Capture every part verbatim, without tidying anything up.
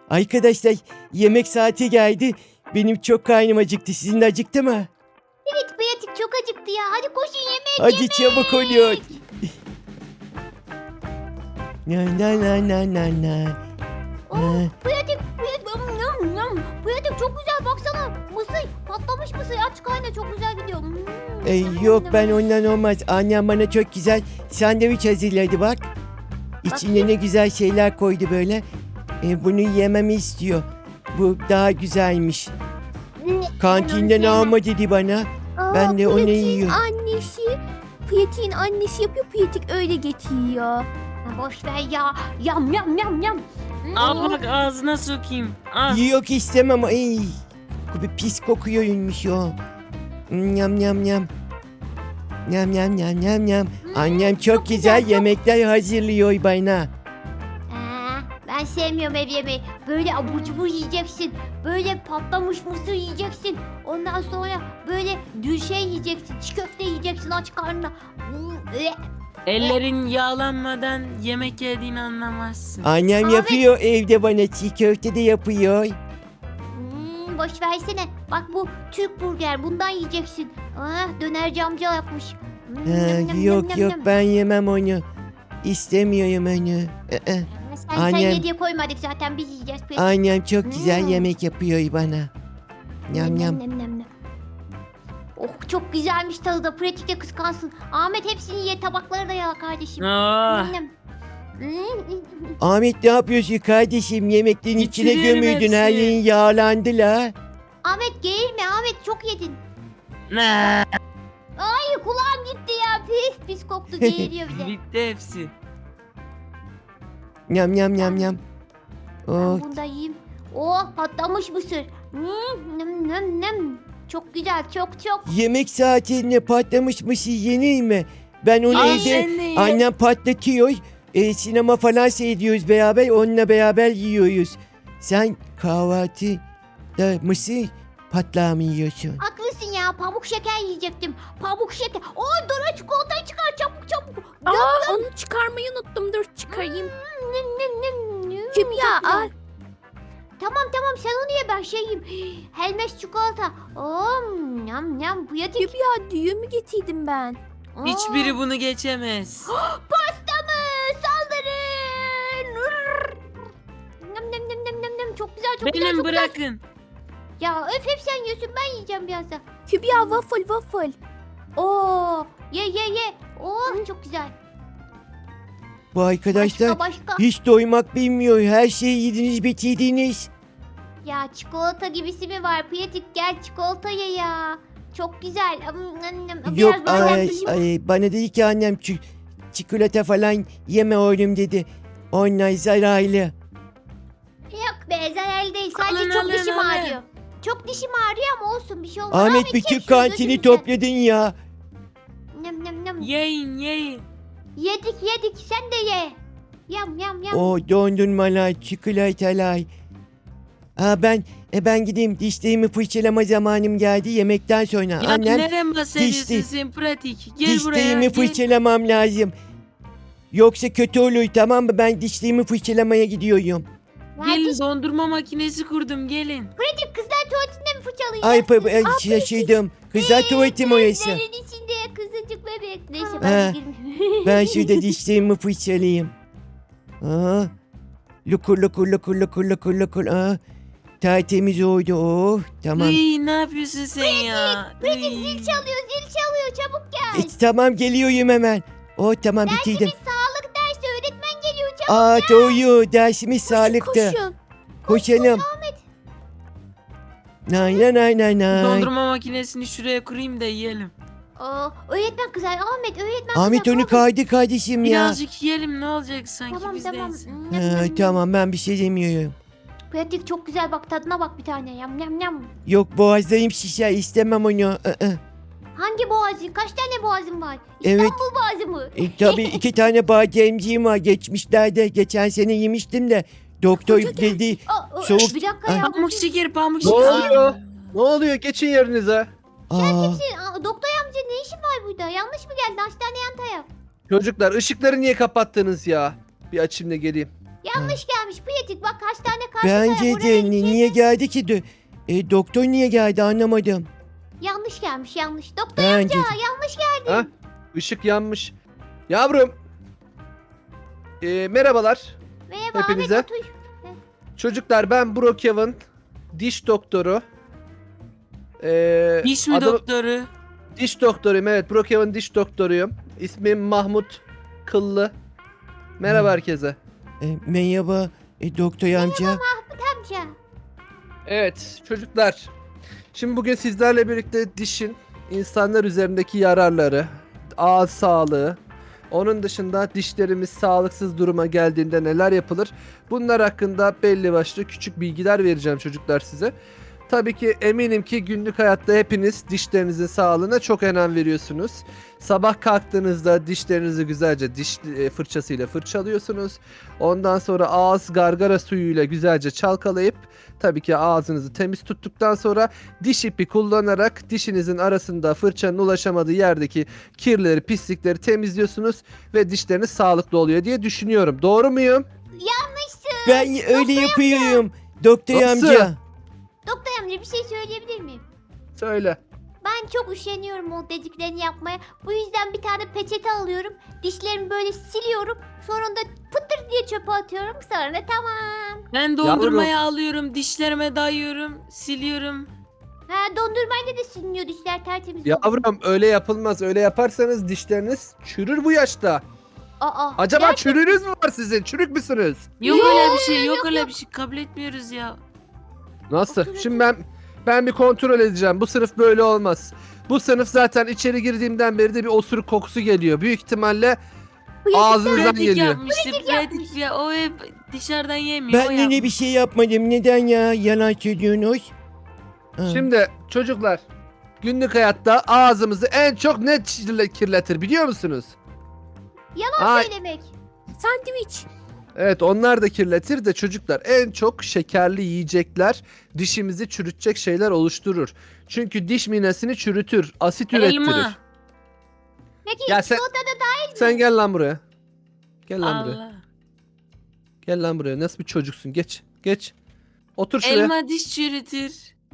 Arkadaşlar yemek saati geldi. Benim çok karnım acıktı. Sizin de acıktı mı? Evet Pratik çok acıktı ya. Hadi koşun yemek Hadi yemek. çabuk olun. Na na na na na na. Oh, Pratik, Pratik, yum, yum, yum. Pratik çok güzel baksana. Mısır, patlamış mısır aç karnına çok güzel gidiyor. Hmm, Ee, yum, yok yum, ben yum. ondan olmaz. Annem bana çok güzel sandviç hazırladı bak. İçine ne güzel şeyler koydu böyle. Ee, bunu yememi istiyor. Bu daha güzelmiş. Kantinden yemem. alma dedi bana. Aa, Ben de onu Pratik'in yiyorum. annesi. Pratik'in annesi yapıyor. Pratik öyle getiriyor. Ha, boş ver ya. Yam yam yam yam. Hmm. Al bak ağzına sokayım. Al. Yok istemem. Ay, bir pis kokuyormuş o. Nyam nyam nyam. Nyam nyam nyam nyam nyam. Annem çok, çok güzel, güzel, çok- yemekler hazırlıyor bana. Aa, ben sevmiyorum ev yemeği. Böyle abur cubur yiyeceksin. Böyle patlamış mısır yiyeceksin. Ondan sonra böyle dül şey yiyeceksin. Çiğ köfte yiyeceksin aç karnına. Hmm, üe. Ellerin yağlanmadan yemek yediğini anlamazsın. Annem Abi- yapıyor evde bana, çiğ köfte de yapıyor. Hmm, boş versene. Bak bu Türk burger. Bundan yiyeceksin. Ah, dönerci amca yapmış. Hmm, Ha, nem, nem, yok nem, yok nem. ben yemem onu. İstemiyorum onu. Ee, Sen, sen Annem- ye diye koymadık zaten biz yiyeceğiz. Peki. Annem çok güzel Hmm. yemek yapıyor bana. Nyam nyam. Nem, nem, nem. Oh çok güzelmiş tadı da pratikte kıskansın. Ahmet hepsini ye tabakları da yala kardeşim. Ah. Nem, nem. Hmm. Ahmet ne yapıyorsun kardeşim? Yemeklerin içine Bitiriyorum gömüldün, her hepsini. yerin yağlandı la. Ahmet geğirme Ahmet çok yedin. Ne? Ay kulağım gitti ya pis pis koktu geğiriyor bir de. Bitti hepsi. Nyam nyam nyam nyam. Oh, Ben bunu da yiyeyim. Oh patlamış mısır. Hmm, nem, nem, nem. Çok güzel çok çok. yemek saatinde patlamış mısır yenir mi? Ben onu Al evde sen de ye. annem patlatıyor. E, sinema falan seyrediyoruz beraber. Onunla beraber yiyoruz. Sen kahvaltıda mısır patlağı mı yiyorsun? Haklısın ya pamuk şeker yiyecektim. Pamuk şeker. Oy Dora çikolatayı çıkar çabuk çabuk. Aa, onu çıkarmayı unuttum. Dur çıkarayım. Nem, nem, nem, nem. Kim ya? Çok güzel. Al. Tamam tamam sen onu ye ben şey yiyeyim. Helmes çikolata. Om yam yam pratik. Kübra düğümü getirdim ben. Aa, Hiçbiri bunu geçemez. Pasta mı? Saldırın. Rrr. Nem nem nem nem nem nem. Çok güzel çok güzel Benim çok güzel. bırakın. Ya öf hep sen yiyorsun ben yiyeceğim birazdan. Kübra waffle waffle. Oo ye ye ye. Oh çok güzel. Bu arkadaşlar Başka başka. hiç doymak bilmiyor. Her şeyi yediniz bitirdiniz. Ya çikolata gibisi mi var? Pratik gel çikolata ye ya. Çok güzel. Am, am, am. Biraz Yok böyle ay, yaklaşayım. ay, bana dedi ki annem çi- çikolata falan yeme oğlum dedi. Onlar zararlı. Yok be zararlı değil. Sadece Alın, çok alın, dişim alın. ağrıyor. Çok dişim ağrıyor ama olsun bir şey olmaz. Ahmet bütün çek şunu kantini gözümüzden. topladın ya. Nem nem nem. Yiyin yiyin. Yedik yedik sen de ye. Yam yam yam. O dondurmalar, çikolatalar. Aa ben e ben gideyim, dişlerimi fırçalama zamanım geldi yemekten sonra. Ya Annem nereden bahsediyorsun dişti. sen pratik? Gel buraya. dişlerimi Gel. fırçalamam lazım. Yoksa kötü olur, tamam mı? Ben dişlerimi fırçalamaya gidiyorum. Gelin dondurma makinesi kurdum gelin. Pratik kızlar tuvaletinde mi fırçalayacağız? Ay pa- ay, şaşırdım. Kızlar tuvaletim orası. Bezlerin içinde kızıcık bebek. Neyse Ha. ben de girmeyeyim. Ben şurada dişlerimi fırçalayayım. Aa, lukur lukur lukur lukur lukur lukur. Aa, tertemiz oldu. Oh, tamam. Iy, ne yapıyorsun sen ya? Pratik Iy. zil çalıyor zil çalıyor çabuk gel. E, tamam geliyorum hemen. Oh tamam bitirdim. Dersimiz sağlık dersi öğretmen geliyor çabuk. Aa doğru, dersimiz sağlıktı. Koşun. Koşalım. Nay nay nay nay nay. Dondurma makinesini şuraya kurayım da yiyelim. Aa, öğretmen kızar Ahmet öğretmen Ahmet kızar. onu Ahmet. kaydı kardeşim ya. Birazcık yiyelim ne olacak sanki Tamam biz tamam. değilsin. Hmm, Ha, nem, nem, nem. tamam ben bir şey demiyorum. Pratik çok güzel bak tadına bak bir tane yam yam yam. Yok boğazlarım şişer, istemem onu. Aa, Hangi boğazın? Kaç tane boğazın var? Evet. İstanbul boğazı mı? E, tabii iki tane bademciğim var geçmişlerde. Geçen sene yemiştim de. Doktor Hoca geldi. dedi. Aa, aa, Soğuk- Bir dakika Ay. ya. Pamuk şeker pamuk Ne şeker. oluyor? Ne oluyor? Geçin yerinize. Aa, Kimsin? Aa, doktor amca ne işin var burada? Yanlış mı geldi? Hastane yan taraf. Çocuklar ışıkları niye kapattınız ya? Bir açayım da geleyim. Yanlış gelmiş Pratik. Bak hastane karşı Bence taraf, oraya de ni- gideceğiz. niye geldi ki? de- E, doktor niye geldi anlamadım. Yanlış gelmiş yanlış. Doktor Bence de. amca yanlış geldi. Ha? Işık yanmış. Yavrum. Ee, merhabalar. Merhaba Hepinize. Ahmet otur. Çocuklar ben Brookhaven diş doktoru. Ee, Diş mi adım- doktoru? Diş doktoruyum, evet. Brookhaven diş doktoruyum. İsmim Mahmut Kıllı. Merhaba Hmm. herkese. E, merhaba e, doktor amca. Amca. Evet çocuklar. Şimdi bugün sizlerle birlikte dişin insanlar üzerindeki yararları, ağız sağlığı, onun dışında dişlerimiz sağlıksız duruma geldiğinde neler yapılır? Bunlar hakkında belli başlı küçük bilgiler vereceğim çocuklar size. Tabii ki eminim ki günlük hayatta hepiniz dişlerinizin sağlığına çok önem veriyorsunuz. Sabah kalktığınızda dişlerinizi güzelce diş e, fırçasıyla fırçalıyorsunuz. Ondan sonra ağız gargara suyuyla güzelce çalkalayıp tabii ki ağzınızı temiz tuttuktan sonra diş ipi kullanarak dişinizin arasında fırçanın ulaşamadığı yerdeki kirleri, pislikleri temizliyorsunuz ve dişleriniz sağlıklı oluyor diye düşünüyorum. Doğru muyum? Ben öyle yapıyorum. Doktor Nasıl? amca. Doktor amca bir şey söyleyebilir miyim? Söyle. Ben çok üşeniyorum o dediklerini yapmaya. Bu yüzden bir tane peçete alıyorum. Dişlerimi böyle siliyorum. Sonra da pıtır diye çöpe atıyorum. Sonra tamam. Ben dondurmayı alıyorum, dişlerime dayıyorum, siliyorum. Ha dondurmayla da siliniyor dişler tertemiz oluyor. Yavrum öyle yapılmaz. Öyle yaparsanız dişleriniz çürür bu yaşta. Aa, Acaba gerçekten- çürüğünüz mü var sizin? Çürük müsünüz? Yok Yok, öyle bir şey, yok yok, öyle yok. bir şey. Kabul etmiyoruz ya. Nasıl? Otur, Şimdi ben ben bir kontrol edeceğim. Bu sınıf böyle olmaz. Bu sınıf zaten içeri girdiğimden beri de bir osuruk kokusu geliyor. Büyük ihtimalle ağzınızdan Pratik geliyor. yapmıştı, pratik ya. O hep dışarıdan yemiyor. o Ben yine bir yapmış. şey yapmadım. Neden ya? Yalan söylüyorsunuz. Ha. Şimdi çocuklar günlük hayatta ağzımızı en çok ne kirle- kirletir biliyor musunuz? Yalan Ay, söylemek. Sandviç. evet onlar da kirletir de çocuklar en çok şekerli yiyecekler dişimizi çürütecek şeyler oluşturur. Çünkü diş minesini çürütür, asit ürettirir. Elma. Peki Ya sen- çikolata da dahil mi? Sen gel lan buraya. Gel lan buraya. Allah. Gel lan buraya. Nasıl bir çocuksun? Geç. Geç. Otur şuraya. Elma diş çürütür.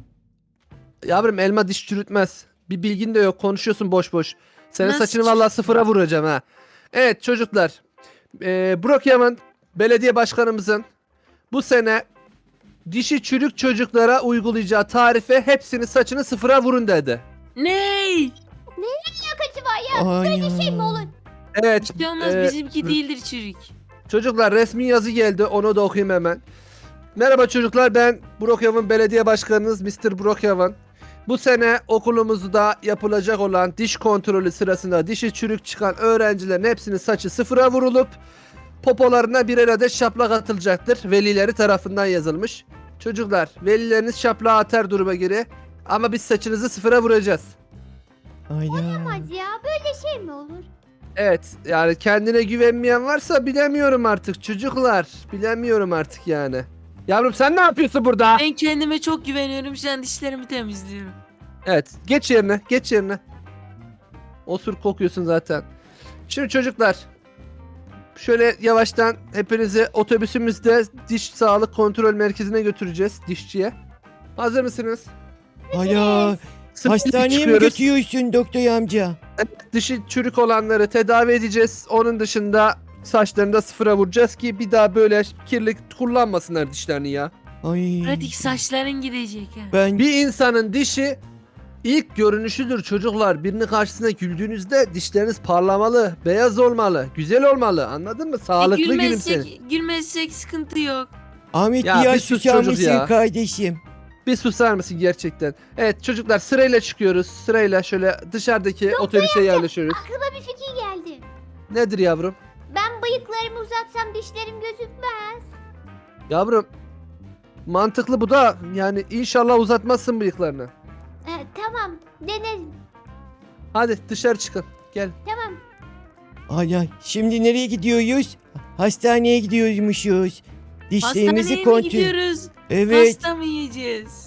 Yavrum elma diş çürütmez. Bir bilgin de yok. Konuşuyorsun boş boş. Senin Nasıl saçını çür- vallahi sıfıra vuracağım ha. Evet çocuklar. Ee, Brookhaven belediye başkanımızın bu sene dişi çürük çocuklara uygulayacağı tarife hepsini saçını sıfıra vurun dedi. Ney? Kötü var ya. Ay Böyle şey mi ya. olur? Evet. Bir şey olmaz, e, bizimki değildir çürük. Çocuklar resmi yazı geldi. Onu da okuyayım hemen. Merhaba çocuklar, ben Brookhaven Belediye Başkanınız mister Brookhaven. Bu sene okulumuzda yapılacak olan diş kontrolü sırasında dişi çürük çıkan öğrencilerin hepsinin saçı sıfıra vurulup popolarına birer adet şaplak atılacaktır. Velileri tarafından yazılmış. Çocuklar, velileriniz şaplağı atar duruma göre ama biz saçınızı sıfıra vuracağız. Aynen. Olmaz ya. Böyle şey mi olur? Evet, yani kendine güvenmeyen varsa bilemiyorum artık çocuklar. Bilemiyorum artık yani. Yavrum sen ne yapıyorsun burada? Ben kendime çok güveniyorum. Şu an dişlerimi temizliyorum. Evet, geç yerine, geç yerine. Osur kokuyorsun zaten. Şimdi çocuklar, şöyle yavaştan hepinizi otobüsümüzde diş sağlık kontrol merkezine götüreceğiz, dişçiye. Hazır mısınız? Hala Sırf hastaneye mi çıkıyoruz. götürüyorsun doktor amca? Dişi çürük olanları tedavi edeceğiz. Onun dışında saçlarını da sıfıra vuracağız ki bir daha böyle kirli kullanmasınlar dişlerini ya. Ay. Pratik saçların gidecek ha. Ben Bir insanın dişi ilk görünüşüdür çocuklar. Birini karşısına güldüğünüzde dişleriniz parlamalı, beyaz olmalı, güzel olmalı. Anladın mı? Sağlıklı E, gülümseyin. gülmezsek, gülmezsek sıkıntı yok. Ahmet Ya biraz bir sus susar çocuk mısın ya. kardeşim? Bir susar mısın gerçekten? Evet çocuklar sırayla çıkıyoruz. Sırayla şöyle dışarıdaki otobüse yerleşiyoruz. Aklıma bir fikir geldi. Nedir yavrum? Ben bıyıklarımı uzatsam dişlerim gözükmez. Yavrum mantıklı bu da yani inşallah uzatmazsın bıyıklarını. Ee, tamam denerim. Hadi dışarı çıkın. Gel. Tamam. Hala şimdi nereye gidiyoruz? Hastaneye gidiyormuşuz. Dişlerimizi Hastaneye mi kontrol. gidiyoruz? Evet. Pasta mı yiyeceğiz?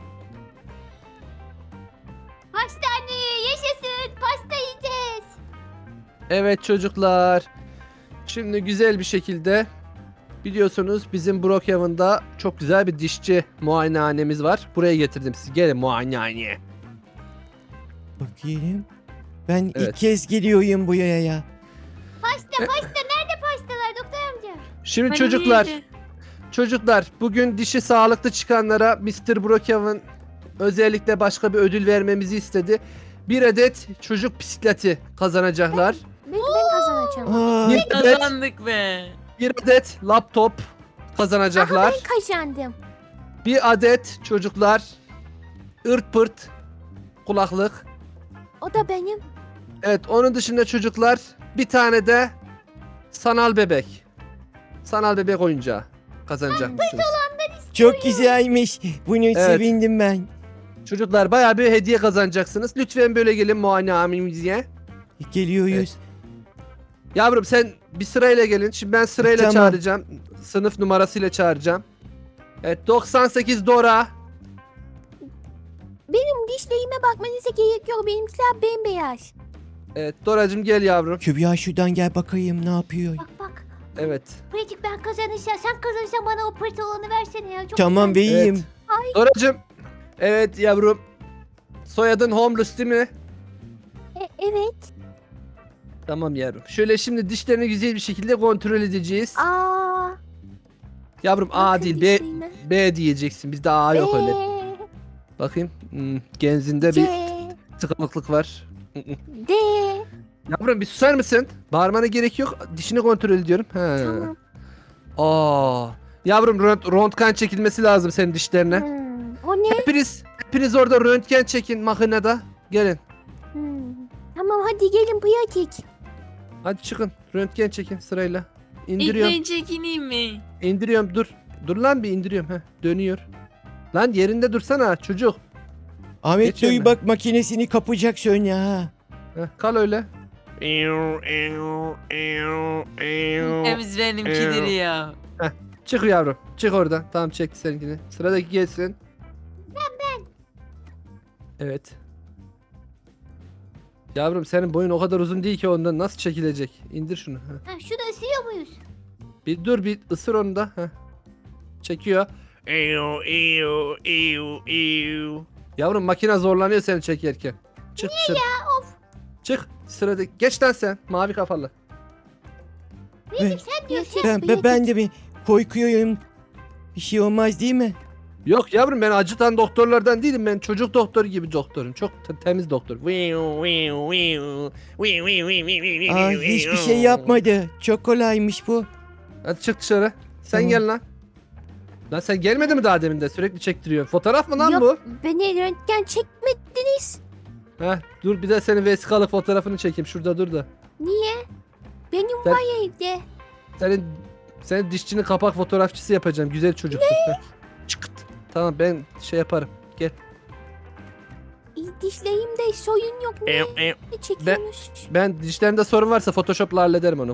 Hastaneye yaşasın. Pasta yiyeceğiz. Evet çocuklar. Şimdi güzel bir şekilde Biliyorsunuz bizim Brookhaven'da çok güzel bir dişçi muayenehanemiz var. Buraya getirdim sizi. Gelin muayenehaneye. Bakayım. Ben Evet. ilk kez geliyorum buraya ya. Pasta pasta nerede pastalar doktor amca? Şimdi Hani çocuklar, neydi? çocuklar bugün dişi sağlıklı çıkanlara mister Brookhaven özellikle başka bir ödül vermemizi istedi. Bir adet çocuk bisikleti kazanacaklar. Ben, ben kazanacağım. Aa, Bir adet, Kazandık be. bir adet laptop kazanacaklar. Ben kazandım. Bir adet çocuklar ırt pırt kulaklık. O da benim. Evet, onun dışında çocuklar bir tane de sanal bebek. Sanal bebek oyuncağı kazanacakmışsınız. çok güzelmiş. Bunu sevindim ben. Çocuklar bayağı bir hediye kazanacaksınız. Lütfen böyle gelin muayenehanemize. Geliyoruz. Yavrum sen bir sırayla gelin. Şimdi ben sırayla Tamam. çağıracağım. Sınıf numarasıyla çağıracağım. Evet, doksan sekiz Dora. Benim dişlerime bakmanıza gerek yok. Benimkiler bembeyaz. Evet, Doracığım gel yavrum. Kübra şuradan gel bakayım ne yapıyor. Bak bak. Evet. Pratik ben kazanırsam sen kazanırsan bana o pırt olanı versene ya. Çok Tamam güzel. beyim. Doracığım. Evet yavrum. Soyadın Homeless değil mi? E, evet. Tamam yavrum. Şöyle şimdi dişlerini güzel bir şekilde kontrol edeceğiz. Aa. Yavrum A bakın değil B, dişlerime. B diyeceksin. Bizde A yok öyle. B, Bakayım. Hmm, genzinde C, bir tıkanıklık var. D. Yavrum bir susar mısın? Bağırmana gerek yok. Dişini kontrol ediyorum. He. Tamam. Aa. Yavrum rönt- röntgen çekilmesi lazım senin dişlerine. Hmm. O ne? Hepiniz, hepiniz orada röntgen çekin makinede. Gelin. Hmm. Tamam hadi gelin pratik. Hadi çıkın. Röntgen çekin sırayla. İlk İndiriyorum. ben çekineyim mi? İndiriyorum. Dur. Dur lan bir indiriyorum. Heh, dönüyor. Lan yerinde dursana çocuk. Ahmet Geç önüne. duy bak makinesini kapacak sonra ha. Heh, kal öyle. Temiz benimkidir ya. Çık yavrum. Çık oradan. Tamam çekti seninkini. Sıradaki gelsin. Ben ben. Evet. Yavrum senin boyun o kadar uzun değil ki ondan nasıl çekilecek? İndir şunu. Heh. Ha, şunu ısırıyor muyuz? Bir dur bir ısır onu da. Heh. Çekiyor. Yavrum makine zorlanıyor seni çekerken. Çık Niye ya of. Çık sıradaki. Geç lan sen mavi kafalı. Ben, Sen diyorsun. Pratik, ben, ben, pratik. ben de bir korkuyorum. Bir şey olmaz değil mi? Yok yavrum ben acıtan doktorlardan değilim. Ben çocuk doktoru gibi doktorum. Çok te- temiz doktor. Aa, hiçbir şey yapmadı. Çok kolaymış bu. Hadi çık dışarı. Sen Tamam. gel lan. Lan sen gelmedi mi daha demin de? Sürekli çektiriyor. Fotoğraf mı lan Yok, bu? beni röntgen çekmediniz. Heh, dur bir de senin vesikalı fotoğrafını çekeyim. Şurada dur da. Niye? Benim Sen- var evde. Senin senin dişçinin kapak fotoğrafçısı yapacağım. Güzel çocuksun. Heh. Çıkıt. Tamam ben şey yaparım. Gel. İyi, dişlerimde soyun yok. Niye çekiyorsunuz? Ben dişlerinde sorun varsa Photoshop'la hallederim onu.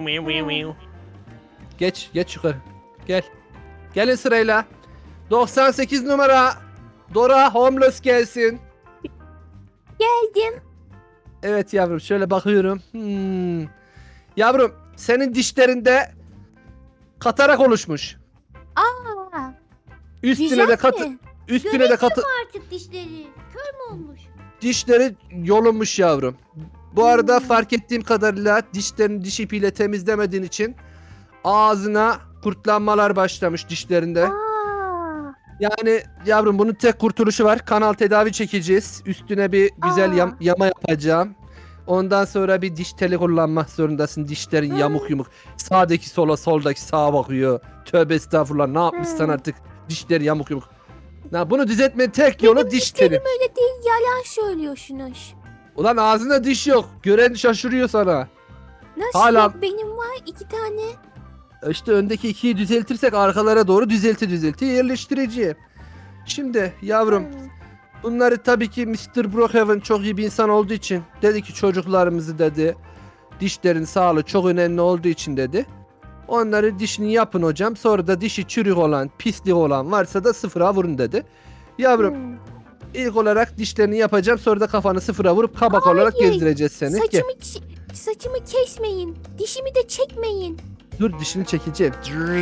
Geç, geç yukarı. Gel. Gelin sırayla. doksan sekiz numara. Dora Homeless gelsin. Geldim. Evet yavrum şöyle bakıyorum. Hmm. Yavrum senin dişlerinde katarak oluşmuş. Aa, Üstüne güzel de katı mi? üstüne de katı Artık dişleri. Kör mü olmuş? dişleri yolunmuş yavrum. Bu arada fark ettiğim kadarıyla dişlerini diş ipiyle temizlemediğin için ağzına kurtlanmalar başlamış dişlerinde. Aa, Yani yavrum bunun tek kurtuluşu var. Kanal tedavi çekeceğiz. Üstüne bir güzel Aa. yam- yama yapacağım. Ondan sonra bir diş teli kullanmak zorundasın. Dişlerin yamuk yumuk. Sağdaki sola, soldaki sağa bakıyor. Tövbe estağfurullah. Ne yapmışsan Hı. artık. Dişleri yamuk yumuk. Ya bunu düzeltmenin tek yolu diş teli. dişlerim öyle değil, yalan söylüyorsunuz. Ulan ağzında diş yok. Gören şaşırıyor sana. Nasıl Hala- yok? Benim var iki tane. İşte öndeki ikiyi düzeltirsek arkalara doğru düzelti düzelti yerleştireceğim. Şimdi yavrum Hmm. bunları tabii ki mister Brookhaven çok iyi bir insan olduğu için dedi ki çocuklarımızı dedi dişlerin sağlığı çok önemli olduğu için dedi. Onları dişini yapın hocam sonra da dişi çürük olan pislik olan varsa da sıfıra vurun dedi. Yavrum Hmm. ilk olarak dişlerini yapacağım sonra da kafanı sıfıra vurup kabak olarak Hayır. gezdireceğiz seni. Gel. Saçımı, ç- saçımı kesmeyin. Dişimi de çekmeyin. dur dişini çekeceğim.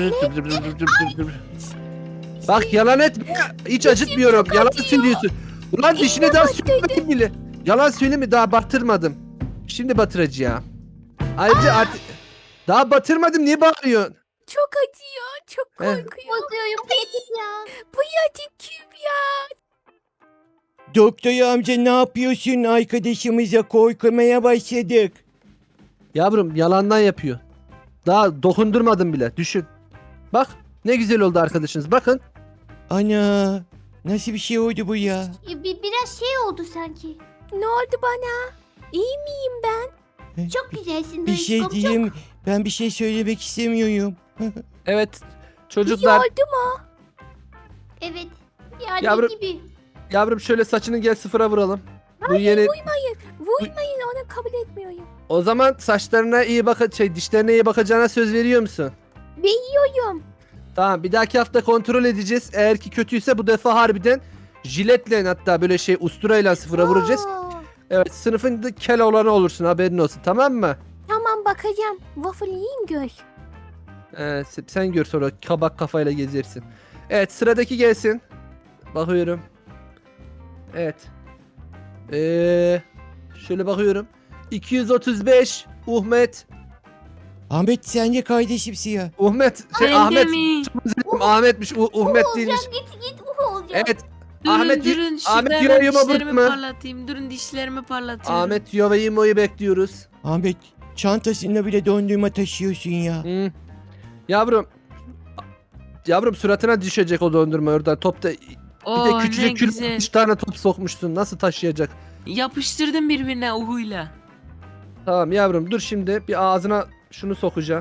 Bak yalan etme. Hiç acıtmıyorum. Yalan söylüyorsun. Ulan dişine daha sürmedim bile. Yalan söyleme daha batırmadım. Şimdi batıracağım. Ayrıca artık daha batırmadım niye bağırıyorsun? Çok acıyor. Çok Eh. korkuyorum. Bozuyorum pratik ya. Pratik Kübra. Doktor amca ne yapıyorsun? Arkadaşımıza korkmaya başladık. Yavrum yalandan yapıyor. Daha dokundurmadım bile düşün. Bak ne güzel oldu arkadaşınız bakın. Ana nasıl bir şey oldu bu ya? E, bir, biraz şey oldu sanki. Ne oldu bana? İyi miyim ben? Çok güzelsin. Bir şey Duyuşkom, diyeyim. Ben bir şey söylemek istemiyorum. Evet İyi çocuklar oldu mu? Çok. Evet. Yani Yavrum- gibi. yavrum şöyle saçını gel sıfıra vuralım. Bu yeni Vurmayın. Vurmayın. Onu kabul etmiyorum. o zaman saçlarına iyi bak şey dişlerine iyi bakacağına söz veriyor musun? Veriyorum. Tamam bir dahaki hafta kontrol edeceğiz. Eğer ki kötüyse bu defa harbiden jiletle hatta böyle şey usturayla sıfıra vuracağız. Aa, Evet sınıfın kel olanı olursun haberin olsun tamam mı? Tamam bakacağım. Waffle yiyin gör. Ee, sen- sen gör sonra kabak kafayla gezersin. Evet sıradaki gelsin. Bakıyorum. Evet. Ee, şöyle bakıyorum. iki yüz otuz beş Uhmet. Ahmet sen de kardeşimsin ya. Uhmet şey Ben de Ahmet. mi? Ahmetmiş. U- Uhmet değilmiş. Olacağım git git uh olacağım. Evet. Durun Ahmet- durun Ahmet şuradan diyor, yuma dişlerimi bırakma. parlatayım. Durun dişlerimi parlatıyorum. Ahmet Yova'yı bekliyoruz. Ahmet çantasında bile dondurma taşıyorsun ya. Hı. Yavrum. Yavrum suratına düşecek o dondurma oradan. Topta bir Oo, de ne küçücük güzel. kül üç tane top sokmuşsun. Nasıl taşıyacak? Yapıştırdım birbirine uhuyla. Tamam yavrum dur şimdi bir ağzına şunu sokacağım.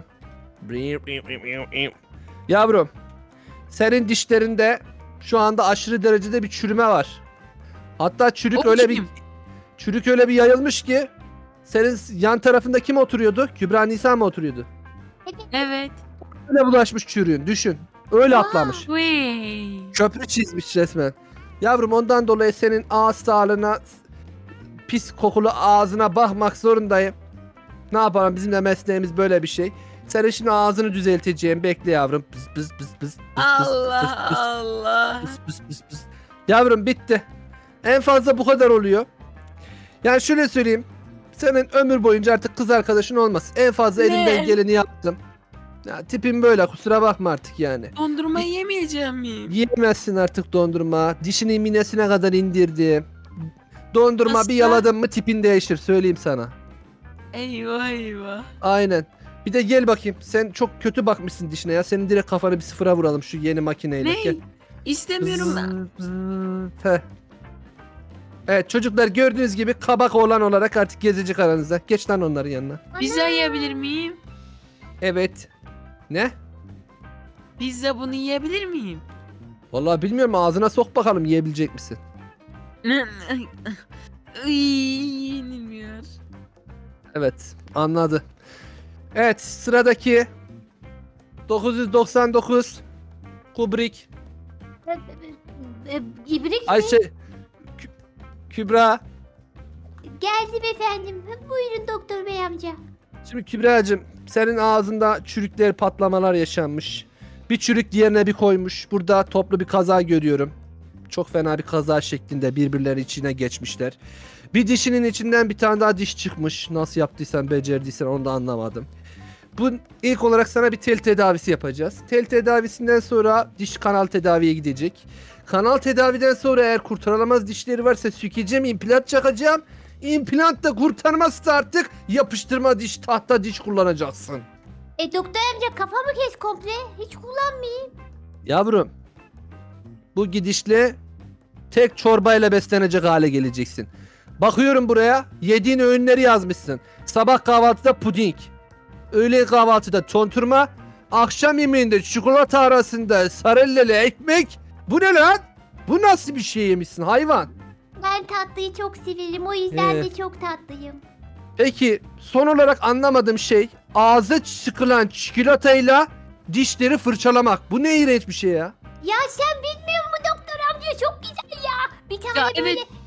Yavrum senin dişlerinde şu anda aşırı derecede bir çürüme var. Hatta çürük O öyle bir kim? çürük öyle bir yayılmış ki senin yan tarafında kim oturuyordu? Kübra Nisa mı oturuyordu? Evet. Öyle bulaşmış çürüğün düşün. Öyle atlamış. Vay. Köprü çizmiş resmen. Yavrum ondan dolayı senin ağız sağlığına pis kokulu ağzına bakmak zorundayım. Ne yapalım bizim de mesleğimiz böyle bir şey. Senin şimdi ağzını düzelteceğim. Bekle yavrum. Pıs pıs pıs pıs. pıs, Allah pıs, pıs, Allah. pıs, pıs, pıs, pıs. Yavrum bitti. En fazla bu kadar oluyor. Yani şöyle söyleyeyim. Senin ömür boyunca artık kız arkadaşın olmaz. En fazla Ne? elimden geleni yaptım. Ya tipim böyle kusura bakma artık yani. Dondurma yemeyeceğim miyim? Yiyemezsin artık dondurma. Dişini minesine kadar indirdim. Dondurma Nasıl bir ya? yaladın mı tipin değişir söyleyeyim sana. Eyvah eyvah. Aynen. Bir de gel bakayım. Sen çok kötü bakmışsın dişine ya. Senin direkt kafanı bir sıfıra vuralım şu yeni makineyle. Ne? Gel. İstemiyorum ben. Zıt, zıt. Heh. Evet çocuklar gördüğünüz gibi kabak oğlan olarak artık gezecek aranızda. Geç lan onların yanına. Pizza yiyebilir miyim? Evet. Ne? Pizza bunu yiyebilir miyim? Vallahi bilmiyorum ağzına sok bakalım yiyebilecek misin? Iy, yenilmiyor. Evet anladı. Evet sıradaki dokuz yüz doksan dokuz Kubrick E, e, İbrik mi? Ayşe Kü- Kübra. Geldim efendim. Buyurun doktor bey amca. Şimdi Kübra'cığım senin ağzında çürükler patlamalar yaşanmış. Bir çürük diğerine bir koymuş. Burada toplu bir kaza görüyorum. Çok fena bir kaza şeklinde birbirleri içine geçmişler. Bir dişinin içinden bir tane daha diş çıkmış. Nasıl yaptıysan becerdiysen onu da anlamadım. Bu ilk olarak sana bir tel tedavisi yapacağız. Tel tedavisinden sonra diş kanal tedaviye gidecek. Kanal tedaviden sonra eğer kurtarılamaz dişleri varsa sükeceğim, implant çakacağım. İmplant da kurtarmazsa artık yapıştırma diş, tahta diş kullanacaksın. E doktor amca kafamı kes komple. Hiç kullanmayayım. Yavrum, bu gidişle tek çorbayla beslenecek hale geleceksin. Bakıyorum buraya, yediğin öğünleri yazmışsın. Sabah kahvaltıda puding, öğle kahvaltıda tonturma, akşam yemeğinde çikolata arasında sarelleli ekmek. Bu ne lan? Bu nasıl bir şey yemişsin hayvan? Ben tatlıyı çok severim. O yüzden Ee. de çok tatlıyım. Peki son olarak anlamadığım şey ağza sıkılan çikolatayla dişleri fırçalamak. Bu ne iğrenç bir şey ya. Ya sen bilmiyor musun doktor amca? Çok güzel ya. Bir tane Ya böyle evet. bir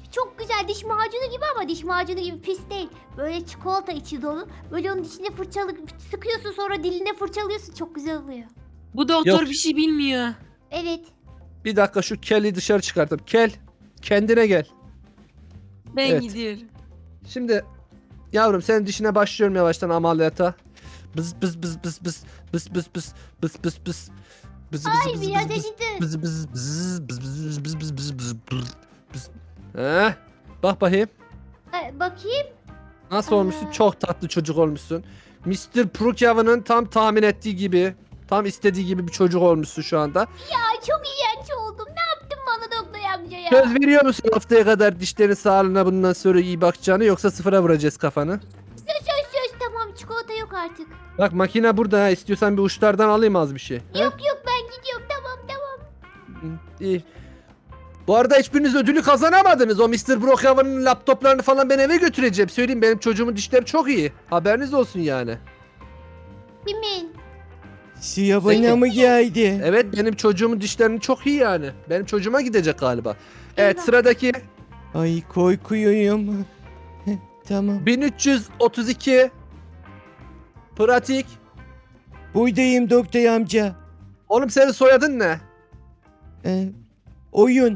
Çok güzel diş macunu gibi ama diş macunu gibi pis değil. Böyle çikolata içi dolu. Böyle onun içine fırçalı sıkıyorsun sonra diline fırçalıyorsun. Çok güzel oluyor. Bu doktor Yok. bir şey bilmiyor. Evet. Bir dakika şu Kel'i dışarı çıkartayım. Kel, kendine gel. Ben Evet. gidiyorum. Şimdi yavrum senin dişine başlıyorum yavaştan ameliyata. Bız bız bız bız bız bız bız bız bız bız bız. Bız Ay bız biraz bız bız acıdı. bız bız bız bız bız bız bız bız bız bız bız. Heh, bak bakayım. Ee, bakayım. Nasıl olmuşsun? Aa. Çok tatlı çocuk olmuşsun. mister Prukyavan'ın tam tahmin ettiği gibi, tam istediği gibi bir çocuk olmuşsun şu anda. Ay çok iğrenç oldum. Ne yaptın bana doktor amca ya? Söz veriyor musun haftaya kadar dişlerin sağlığına bundan sonra iyi bakacağını, yoksa sıfıra vuracağız kafanı? Söz söz söz tamam çikolata yok artık. Bak makine burada ha, istiyorsan bir uçlardan alayım az bir şey. Ha? Yok yok ben gidiyorum tamam tamam. Hı, İyi. Bu arada hiçbiriniz ödülü kazanamadınız. O mister Prokyavan'ın laptoplarını falan ben eve götüreceğim. Söyleyeyim, benim çocuğumun dişleri çok iyi. Haberiniz olsun yani. Kimin? Suya bana mı geldi? Evet, benim çocuğumun dişlerinin çok iyi yani. Benim çocuğuma gidecek galiba. Evet, Eyvah. sıradaki Ay korkuyorum. Heh, tamam. bin üç yüz otuz iki pratik. Buradayım doktor amca. Oğlum senin soyadın ne? Ee, oyun.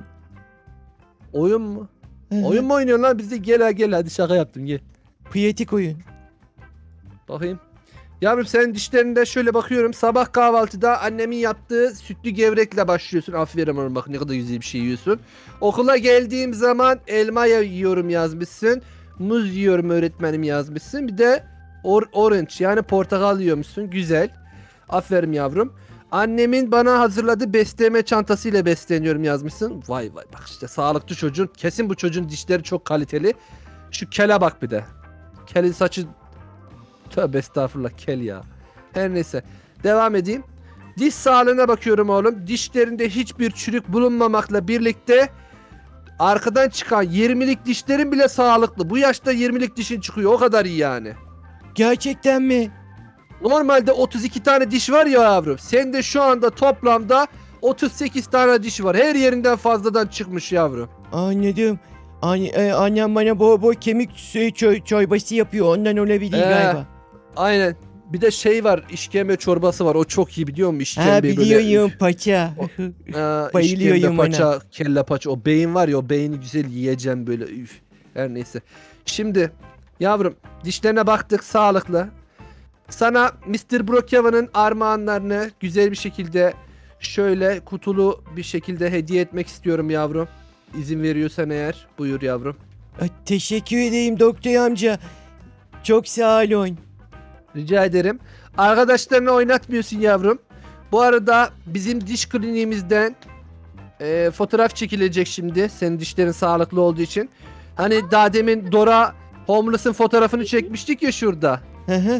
Oyun mu? Hı hı. Oyun mu oynuyorsun lan? Biz de gel ha, gel hadi, şaka yaptım, gel. Pratik oyun. Bakayım. Yavrum senin dişlerinde şöyle bakıyorum. Sabah kahvaltıda annemin yaptığı sütlü gevrekle başlıyorsun. Aferin oğlum, bak ne kadar güzel bir şey yiyorsun. Okula geldiğim zaman elma yiyorum yazmışsın. Muz yiyorum öğretmenim yazmışsın. Bir de or- orange yani portakal yiyormuşsun. Güzel. Aferin yavrum. Annemin bana hazırladığı besleme çantasıyla besleniyorum yazmışsın. Vay vay, bak işte sağlıklı çocuğun. Kesin bu çocuğun dişleri çok kaliteli. Şu kele bak bir de. Kelin saçı... Tövbe estağfurullah, kel ya. Her neyse. Devam edeyim. Diş sağlığına bakıyorum oğlum. Dişlerinde hiçbir çürük bulunmamakla birlikte arkadan çıkan yirmilik dişlerin bile sağlıklı. Bu yaşta yirmilik dişin çıkıyor. O kadar iyi yani. Gerçekten mi? Normalde otuz iki tane diş var ya yavrum. Sende şu anda toplamda otuz sekiz tane diş var. Her yerinden fazladan çıkmış yavrum. Anladım. Anne, e, annem bana bol bol kemik suyu ço- çorbası yapıyor. Ondan olabilir Ee, galiba. Aynen. Bir de şey var, işkembe çorbası var. O çok iyi, biliyor musun? İşkembe Ha böyle- biliyorum paça. Aa, Bayılıyorum işkembe, ona. paça, kelle paça. O beyin var ya, o beyni güzel yiyeceğim böyle. Üf. Her neyse. Şimdi yavrum dişlerine baktık, sağlıklı. Sana mister Prokyavan'ın armağanlarını güzel bir şekilde şöyle kutulu bir şekilde hediye etmek istiyorum yavrum. İzin veriyorsan eğer. Buyur yavrum. Ay, teşekkür edeyim doktor amca. Çok sağ olun. Rica ederim. Arkadaşlarını oynatmıyorsun yavrum. Bu arada bizim diş kliniğimizden e, fotoğraf çekilecek şimdi. Senin dişlerin sağlıklı olduğu için. Hani daha demin Dora Homeless'ın fotoğrafını çekmiştik ya şurada. Hı hı.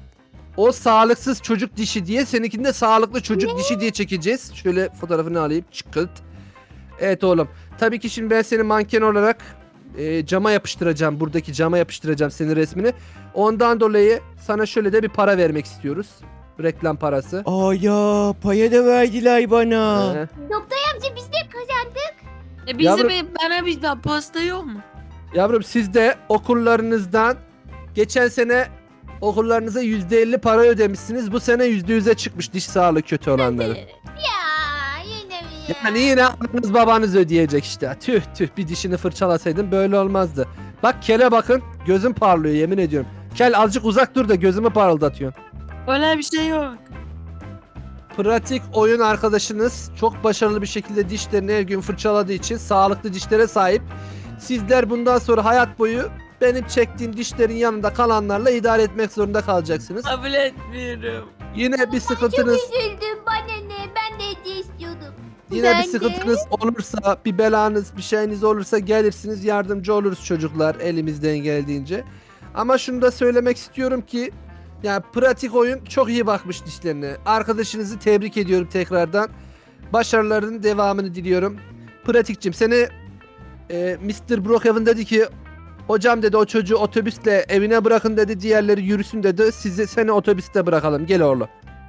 O sağlıksız çocuk dişi diye, seninkini de sağlıklı çocuk dişi diye çekeceğiz. Şöyle fotoğrafını alayım. Çıkıt. Evet oğlum. Tabii ki şimdi ben seni manken olarak e, cama yapıştıracağım. Buradaki cama yapıştıracağım senin resmini. Ondan dolayı sana şöyle de bir para vermek istiyoruz. Reklam parası. Aya paya da verdiler bana. Ee, Doktor amca biz de kazandık. E bize Yavrum- bir, bana bir daha pasta yok mu? yavrum siz de okullarınızdan geçen sene okullarınıza yüzde elli para ödemişsiniz. Bu sene yüzde yüze çıkmış diş sağlığı kötü olanları. Ya yine mi ya? Yani yine anneniz babanız ödeyecek işte. Tüh tüh, bir dişini fırçalasaydın böyle olmazdı. Bak kele bakın, gözüm parlıyor yemin ediyorum. Kel azıcık uzak dur da gözümü parıldatıyorsun. Öyle bir şey yok. Pratik oyun arkadaşınız çok başarılı bir şekilde dişlerini her gün fırçaladığı için sağlıklı dişlere sahip. Sizler bundan sonra hayat boyu benim çektiğim dişlerin yanında kalanlarla idare etmek zorunda kalacaksınız. Kabul etmiyorum. Yine bir sıkıntınız, Çok üzüldüm bana ne? Ben de hediye istiyordum. yine Ben bir de. sıkıntınız olursa, bir belanız, bir şeyiniz olursa gelirsiniz, yardımcı oluruz çocuklar elimizden geldiğince. Ama şunu da söylemek istiyorum ki yani pratik oyun çok iyi bakmış dişlerine. Arkadaşınızı tebrik ediyorum tekrardan. Başarılarının devamını diliyorum. Pratikçim seni e, mister Brookhaven dedi ki hocam dedi o çocuğu otobüsle evine bırakın dedi, diğerleri yürüsün dedi. Sizi seni otobüste bırakalım. Gel oğlum.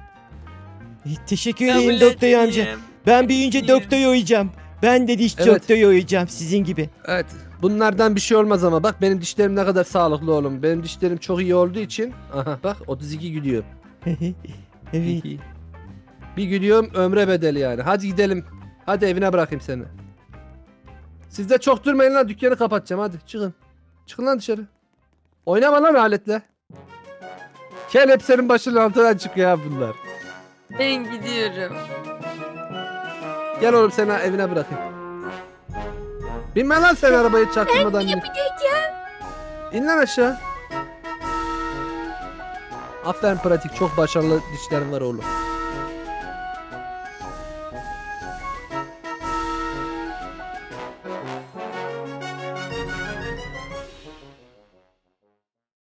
E, teşekkür Kabul edeyim doktor amca. etmiyorum. Ben büyüyünce Etmiyorum. doktor olacağım. Ben de diş Evet. doktor olacağım sizin gibi. Evet. Bunlardan bir şey olmaz ama bak benim dişlerim ne kadar sağlıklı oğlum. Benim dişlerim çok iyi olduğu için. Aha bak otuz iki gülüyor. Evet. Bir gülüyorum ömre bedeli yani. Hadi gidelim. Hadi evine bırakayım seni. Siz de çok durmayın lan, dükkanı kapatacağım, hadi çıkın. Çıkın lan dışarı. Oynama lan aletle. Gel, hep senin başının altından çıkıyor ya bunlar. Ben gidiyorum. Gel oğlum seni evine bırakayım. Binme lan sen arabayı çaktırmadan. Ben yapacağım. İn lan aşağı. Aferin pratik, çok başarılı dişlerin var oğlum.